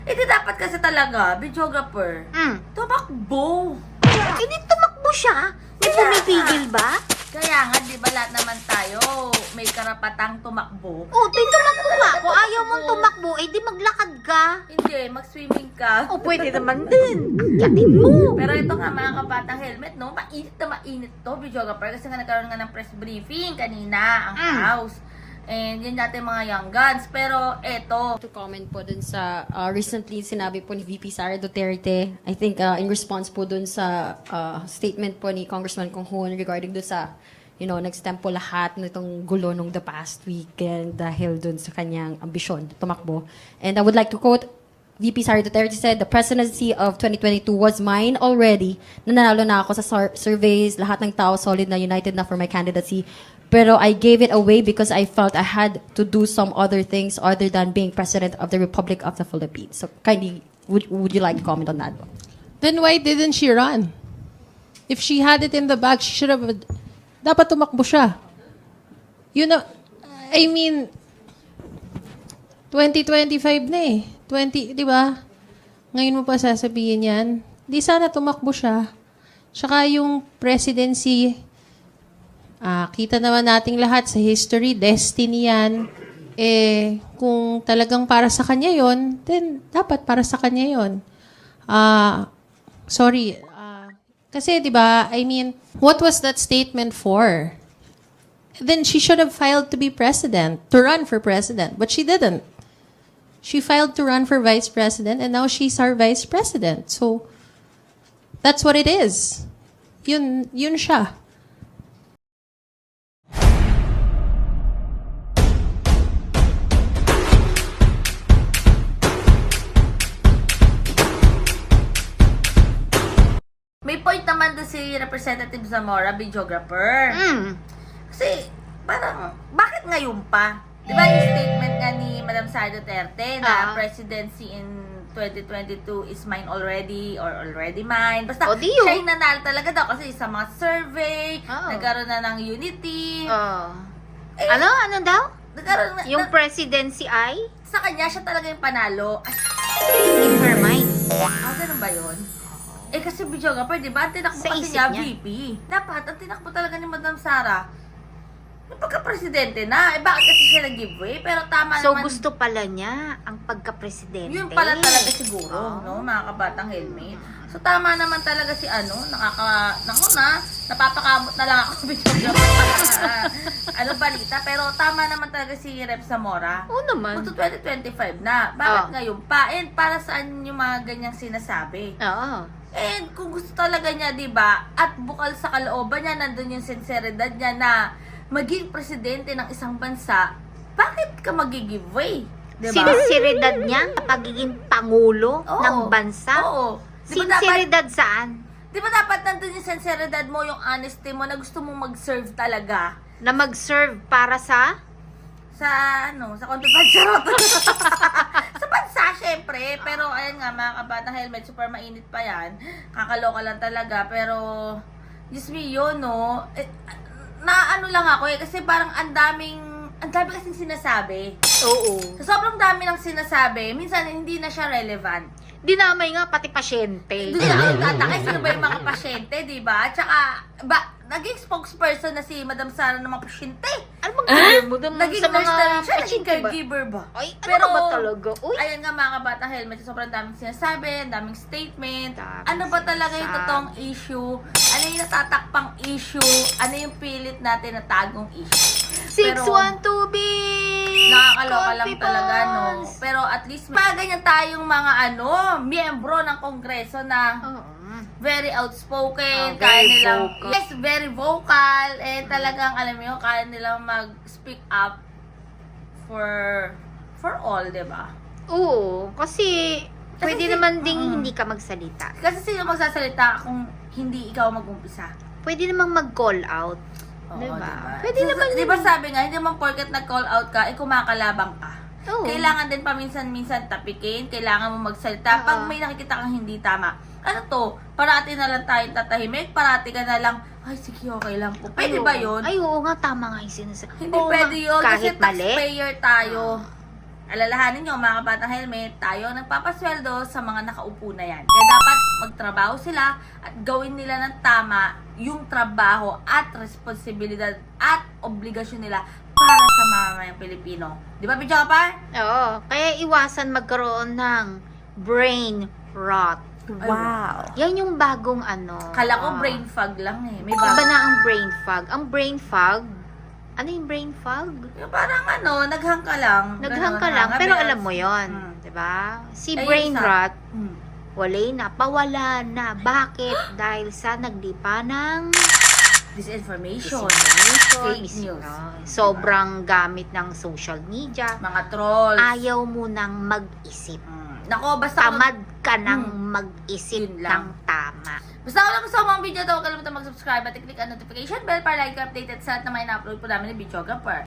Eh di dapat kasi talaga, videographer, tumakbo. Hindi tumakbo siya. May pumipigil ba? Kaya nga, di ba lahat naman tayo may karapatang tumakbo? Oh, di tumakbo nga. Kung ayaw mong tumakbo, eh di maglakad ka. Hindi, mag-swimming ka. Oh, pwede naman din. Yatin mo. Pero ito nga mga kabatang helmet, no? Mainit na mainit to, videographer. Kasi nga nagkaroon nga ng press briefing kanina ang House. And yun natin mga young guns. Pero eto. To comment po dun sa recently sinabi po ni VP Sara Duterte, I think in response po dun sa statement po ni Congressman Kong Hoon regarding dun sa, nag-stem po lahat nitong gulo nung the past weekend dahil dun sa kanyang ambisyon tumakbo. And I would like to quote VP Sara Duterte said, "The presidency of 2022 was mine already. Nanalo na ako sa surveys, lahat ng tao solid na united na for my candidacy. Pero I gave it away because I felt I had to do some other things other than being President of the Republic of the Philippines." So kindly, would you like to comment on that? Then why didn't she run? If she had it in the bag, she should have... Dapat tumakbo siya. I mean, 2025 na eh. 20, di ba? Ngayon mo pa sasabihin yan. Di sana tumakbo siya. Tsaka yung presidency, kita naman nating lahat sa history, destiny yan. Kung talagang para sa kanya yon, then dapat para sa kanya yon. Sorry. Kasi, di ba, I mean, what was that statement for? Then she should have filed to be president, to run for president. But she didn't. She filed to run for vice president, and now she's our vice president. So, that's what it is. Yun siya. May point naman doon si Representative Zamora, videographer. Kasi, parang, bakit ngayon pa? Di ba yung statement nga ni Madam Sara Duterte na presidency in 2022 is mine already or already mine. Basta siya yung nanalo talaga daw kasi sa mga survey, nagkaroon na ng unity. Ano daw? Nagkaroon na, Yung presidency ay? sa kanya, siya talaga yung panalo. In her mind. Ganun ba yun? Kasi videographer, di ba? Ang tinakbo Sa kasi isip niya, niya. VP. Dapat, ang tinakbo talaga ni Madam Sara, yung pagka-presidente na. Bakit kasi siya nag-giveaway? Pero tama So, naman. gusto pala niya ang pagka-presidente. Yun pala talaga siguro, no? Mga kabatang helmet. So, tama naman talaga si napapakamot na lang ako videographer. Balita. Pero tama naman talaga si Rep Zamora. Oo naman. Magto 2025 na. Bakit ngayon pa? And para saan yung mga ganyang sinasabi? Oo. And kung gusto talaga niya, di ba, at bukal sa kalooban niya, nandun yung sinseridad niya na maging presidente ng isang bansa, bakit ka mag-giveaway? Di ba? Sinseridad niya sa pagiging pangulo ng bansa? Oo. Sinseridad saan? Di ba dapat nandun yung sinseridad mo, yung honesty mo, na gusto mong mag-serve talaga? Na mag-serve para sa? Sa kontraband, charot. Sa bansa, syempre. Pero, ayan nga, mga kabatang helmet, super mainit pa yan. Kakaloka lang talaga. Pero, Diyos me, yun, no? Naano lang ako kasi parang ang dami kasing sinasabi. Oo. Sa sobrang dami ng sinasabi, minsan hindi na siya relevant. Dinamay nga pati pasyente. Doon na ako tatakay, sino ba yung mga pasyente, di ba? Tsaka, naging spokesperson na si Madam Sara ng mga pasyente. Ano bang mo doon Naging sa nurse na mga rin siya, naging pasyente ba? caregiver ba? Ay, ano ba talaga? Uy, Ayan nga mga kabatang helmet, sobrang daming sinasabi, daming statement. Daming Ano ba talaga yung sinasabi. totoong issue? Ano yung natatakpang issue? Ano yung pilit natin na tagong issue? 612 B! Nakakaloka lang talaga, no? Pero at least, ganyan tayong mga miyembro ng Kongreso na very outspoken, kaya very nilang, vocal. yes, very vocal, talagang, alam mo yun, kaya nilang mag-speak up for all, di ba? Oo, kasi pwede si- naman ding hindi ka magsalita. Kasi sino magsasalita kung hindi ikaw mag-umpisa? Pwede namang mag-call out. Oo, Diba? Pwede So, naman di ba sabi nga, hindi naman porket nag-call out ka, kumakalabang ka. Oo. Kailangan din paminsan-minsan tapikin, kailangan mo magsalita. Pag may nakikita kang hindi tama, parati na lang tayong tatahimik, parati ka na lang, ay sige, okay lang po. Pwede ba yun? Ay, oo nga, tama nga yung sinasabi. Hindi pwede yun, kasi Kahit mali. taxpayer tayo. alalahanin nyo mga kabatang helmet, tayo ang nagpapasweldo sa mga nakaupo na yan. Kaya dapat magtrabaho sila at gawin nila ng tama yung trabaho at responsibilidad at obligasyon nila para sa mamamayang Pilipino. Di ba, Bidyo Kapar? Oo. Kaya iwasan magkaroon ng brain rot. Wow. Yan yung bagong ano. Kala ko brain fog lang eh. May Iba bago. na ang brain fog. Ang brain fog, ano yung brain fog? Yung parang naghang ka lang. Naghang ka Ganun, lang, pero happy alam mo as- yon, Mm. 'di ba? Si Ayun, brain sa- rot, Mm. pawala na. Bakit? Dahil sa naglipa ng Disinformation. disinformation, Fake news. sobrang gamit ng social media. Mga trolls. Ayaw mo nang mag-isip. Nako, basta Tamad ka nang mag-isip Yun lang. ng tama. Basta kung nagustuhan mo ang video to, huwag kalimutan mag-subscribe at i-click ang notification bell para like updated sa lahat na may na-upload po namin ni Videographer.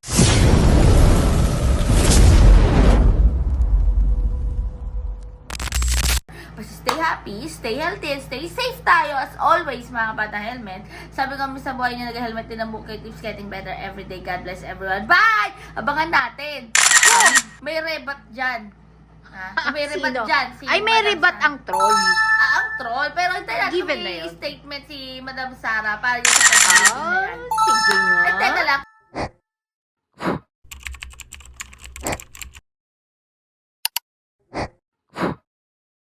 Basta stay happy, stay healthy, and stay safe tayo as always mga kabata helmet. Sabi ko sa buhay niyo nag-helmet din ang buhay, keeps getting better every day. God bless everyone. Bye! Abangan natin. May rebat dyan. Ha? May rebat Sino? dyan. Ay, may Madam rebat Sara. ang troll. Ang troll. Pero hintayin natin Given na may yun. statement si Madam Sara para yung sa pag-ibig na yan. Sige nga. Hintayin